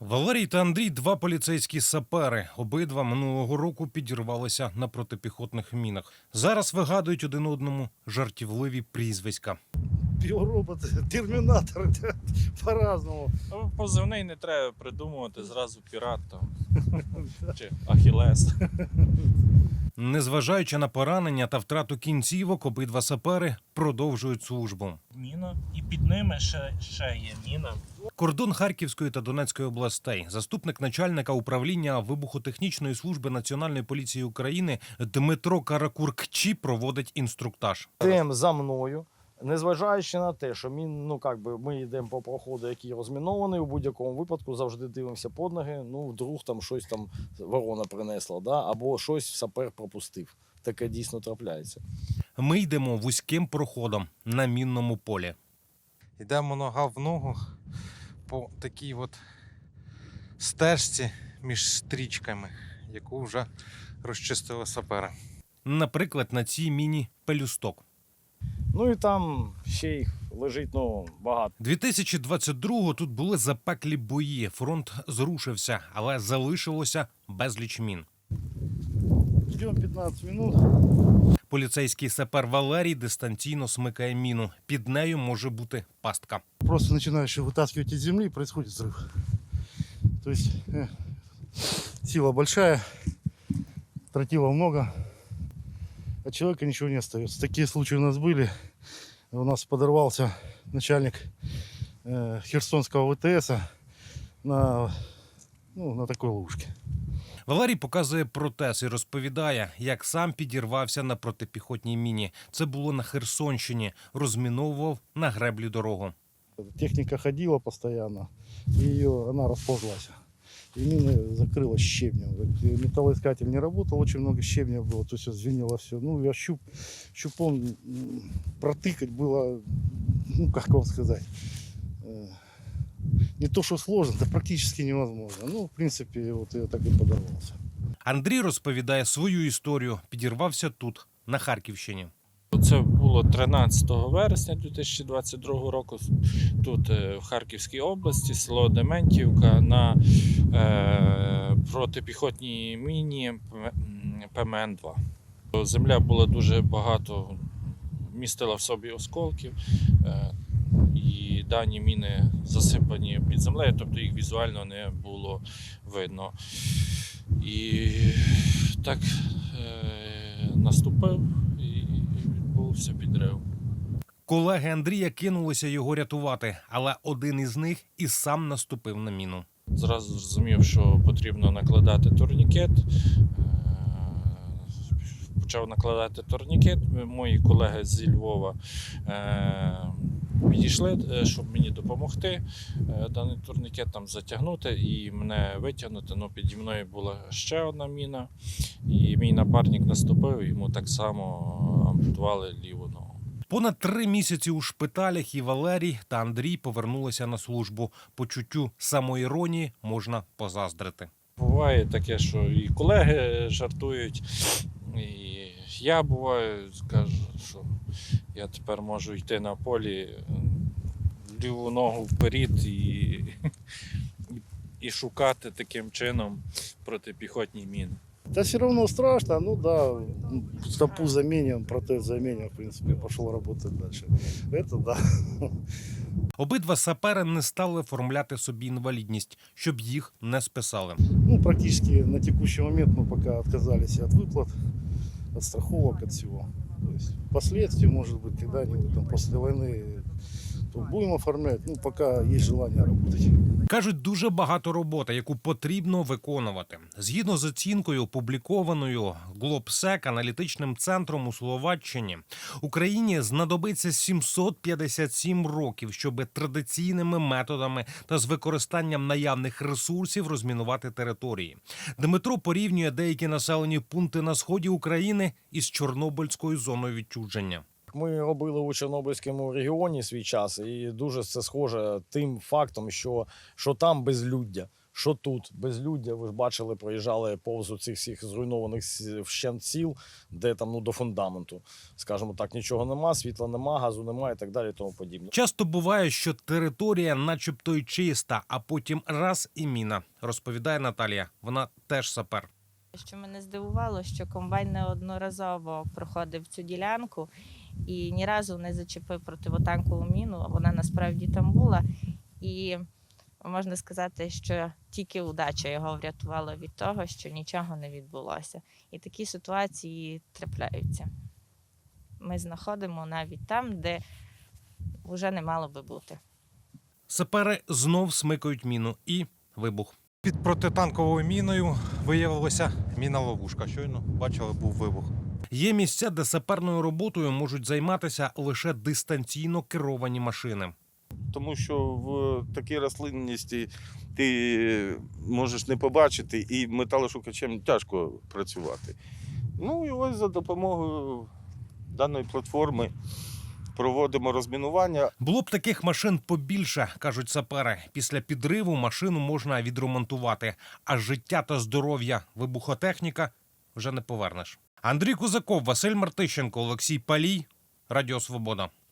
Валерій та Андрій – два поліцейські сапери. Обидва минулого року підірвалися на протипіхотних мінах. Зараз вигадують один одному жартівливі прізвиська. Півроботи, термінатори, по-разному. Позивний не треба придумувати, зразу пірат там, чи Ахілес. Незважаючи на поранення та втрату кінцівок, обидва сапери продовжують службу. Міна, і під ними ще є міна. Кордон Харківської та Донецької областей. Заступник начальника управління вибухотехнічної служби Національної поліції України Дмитро Каракуркчі проводить інструктаж. Йдемо за мною, незважаючи на те, що ми йдемо по проходу, який розмінований, у будь-якому випадку завжди дивимося під ноги, вдруг там щось там ворона принесла, або щось сапер пропустив. Таке дійсно трапляється. Ми йдемо вузьким проходом на мінному полі. Йдемо нога в ногу по такій от стежці між стрічками, яку вже розчистили сапери. Наприклад, на цій міні пелюсток. Ну і там ще їх лежить багато. 2022-го тут були запеклі бої. Фронт зрушився, але залишилося безліч мін. Ждемо 15 минут. Поліцейський сапер Валерій дистанційно смикає міну. Під нею може бути пастка. Просто начинаешь вытаскивать из земли, происходит взрыв. То есть сила большая, тротила много, от человека ничего не остается. Такие случаи у нас были. У нас подорвался начальник Херсонского ВТС на такой ловушке. Валерій показує протез і розповідає, як сам підірвався на протипіхотній міні. Це було на Херсонщині. Розміновував на греблі дорогу. Техника ходила постоянно, и она расползлась. И мина закрылась щебнем. Металлоискатель не работал, очень много щебня было, то есть звенело все. Я щупом протыкать было, как вам сказать, не то что сложно, это практически невозможно. В принципе, я так и подорвался. Андрій розповідає свою історію. Підірвався тут, на Харківщині. Це було 13 вересня 2022 року, тут в Харківській області, село Дементівка, на протипіхотній міні ПМН-2. Земля була дуже багато, містила в собі осколків, і дані міни засипані під землею, тобто їх візуально не було видно. І так наступив і відбувся підрив. Колеги Андрія кинулися його рятувати, але один із них і сам наступив на міну. Зразу зрозумів, що потрібно накладати турнікет. Почав накладати турнікет. Мої колеги зі Львова підійшли, щоб мені допомогти даний турнікет там затягнути і мене витягнути. Піді мною була ще одна міна, і мій напарник наступив, йому так само ампутували ліву ногу. Понад 3 місяці у шпиталях і Валерій та Андрій повернулися на службу. Почуттю самоіронії можна позаздрити. Буває таке, що і колеги жартують, і я буваю, кажу, що я тепер можу йти на полі ліву ногу вперед і шукати таким чином протипіхотні міни. Да все равно страшно, стопу заменим, протез заменим, в принципе, пошел работать дальше. Это да. Обидва сапери не стали оформляти собі інвалідність, щоб їх не списали. Практически на текущий момент мы пока отказались от выплат, от страховок, от всего. То есть впоследствии, может быть, когда-нибудь там после войны то будем оформлять, пока есть желание работать. Кажуть, дуже багато роботи, яку потрібно виконувати. Згідно з оцінкою, опублікованою Globsec аналітичним центром у Словаччині, Україні знадобиться 757 років, щоб традиційними методами та з використанням наявних ресурсів розмінувати території. Дмитро порівнює деякі населені пункти на сході України із Чорнобильською зоною відчуження. Ми робили у Чорнобильському регіоні свій час, і дуже це схоже тим фактом, що там безлюддя. що тут безлюддя, ви ж бачили, проїжджали повз цих всіх зруйнованих вщент сіл, де там до фундаменту, скажімо так, нічого нема, світла нема, газу нема і так далі, і тому подібне. Часто буває, що територія начебто й чиста, а потім раз і міна, розповідає Наталія. Вона теж сапер. Що мене здивувало, що комбайн неодноразово проходив цю ділянку і ні разу не зачепив противотанкову міну. Вона насправді там була. І можна сказати, що тільки удача його врятувала від того, що нічого не відбулося. І такі ситуації трапляються. Ми знаходимо навіть там, де вже не мало би бути. Сапери знов смикають міну і вибух. Під протитанковою міною виявилася міна-ловушка. Щойно бачили, був вибух. Є місця, де саперною роботою можуть займатися лише дистанційно керовані машини. Тому що в такій рослинності ти можеш не побачити, і металошукачем тяжко працювати. Ну і ось за допомогою даної платформи проводимо розмінування. Було б таких машин побільше, кажуть сапери. Після підриву машину можна відремонтувати, а життя та здоров'я вибухотехніка вже не повернеш. Андрій Кузаков, Василь Мартищенко, Олексій Палій, Радіо Свобода.